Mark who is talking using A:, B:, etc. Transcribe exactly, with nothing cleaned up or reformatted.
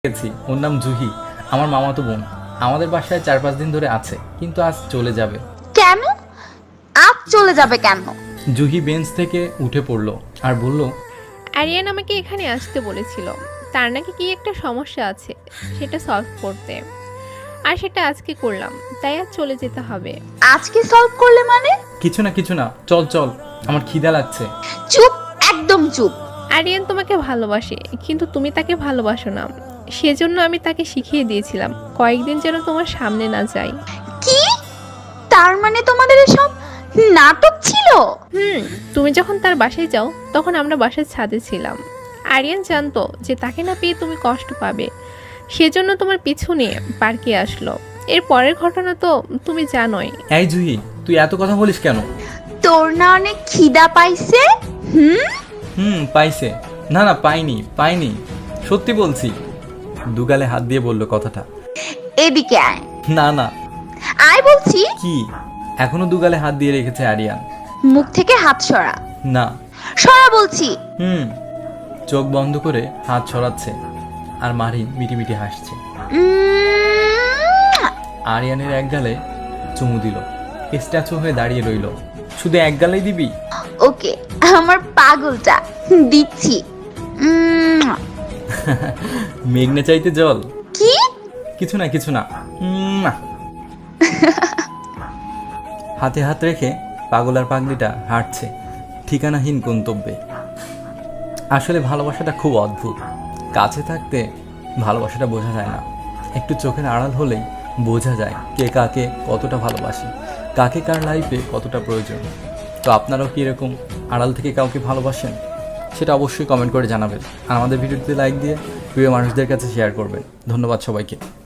A: গেছি। ওর নাম জুহি, আমার মামাতো বোন। আমাদের বাসায় চার পাঁচ দিন ধরে আছে, কিন্তু আজ চলে যাবে।
B: কেন? আজ চলে যাবে কেন?
A: জুহি বেঞ্চ থেকে উঠে পড়লো আর বলল,
C: আরিয়ান আমাকে এখানে আসতে বলেছিল। তার নাকি কি একটা সমস্যা আছে, সেটা সলভ করতে। আর সেটা আজকে করলাম, তাই আজ চলে যেতে হবে।
B: আজকে সলভ করলে মানে?
A: কিছু না কিছু না, চল চল, আমার খিদা লাগছে।
B: চুপ, একদম চুপ।
C: আরিয়ান তোমাকে ভালোবাসে, কিন্তু তুমি তাকে ভালোবাসো না। সেজন্য আমি তাকে শিখিয়ে দিয়েছিলাম কয়েকদিন যেন তোমার সামনে না যাই।
B: কি? তার মানে তোমাদের এসব নাটক ছিল?
C: হুম, তুমি যখন তার বাসায় যাও তখন আমরা বাসার ছাদে ছিলাম। আরিয়ান জানতো যে তাকে না পেয়ে তুমি কষ্ট পাবে, সেজন্য তোমার পিছু নিয়ে পার্কে আসলো। এর পরের ঘটনা তো তুমি জানোই।
A: এই জুহি, তুই এত কথা বলিস কেন?
B: তোর না অনেক খিদা পাইছে? হুম
A: হুম পাইছে। না না, পাইনি পাইনি, সত্যি বলছি। দুগালে হাত দিয়ে বলল কথাটা।
B: এদিকে আয়।
A: না না।
B: আয় বলছি।
A: কি? এখনো দুগালে হাত দিয়ে রেখেছে আরিয়ান।
B: মুখ থেকে হাত সরা।
A: না।
B: সরা বলছি।
A: হুম। চোখ বন্ধ করে হাত ছড়াচ্ছে আর মারিন মিটি মিটি হাসছে।
B: উম,
A: আরিয়ানের এক গালে চুমু দিল, স্ট্যাচু হয়ে দাঁড়িয়ে রইল। শুধু এক গালেই দিবি?
B: ওকে, আমার পাগলটা দিচ্ছি। উম,
A: মেঘনা চাইতে জল।
B: কি?
A: কিছু না কিছু না। উম, না। হাতে হাত রেখে পাগল আর পাগলিটা হাঁটছে ঠিকানাহীন গন্তব্যে। আসলে ভালোবাসাটা খুব অদ্ভুত। কাছে থাকতে ভালোবাসাটা বোঝা যায় না, একটু চোখের আড়াল হলেই বোঝা যায় কে কাকে কতটা ভালোবাসে, কাকে কার লাইফে কতটা প্রয়োজন। তো আপনারাও কি এরকম আড়াল থেকে কাউকে ভালোবাসেন? সেটা অবশ্যই কমেন্ট করে জানাবেন আর আমাদের ভিডিওটিতে লাইক দিয়ে প্রিয় মানুষদের কাছে শেয়ার করবেন। ধন্যবাদ সবাইকে।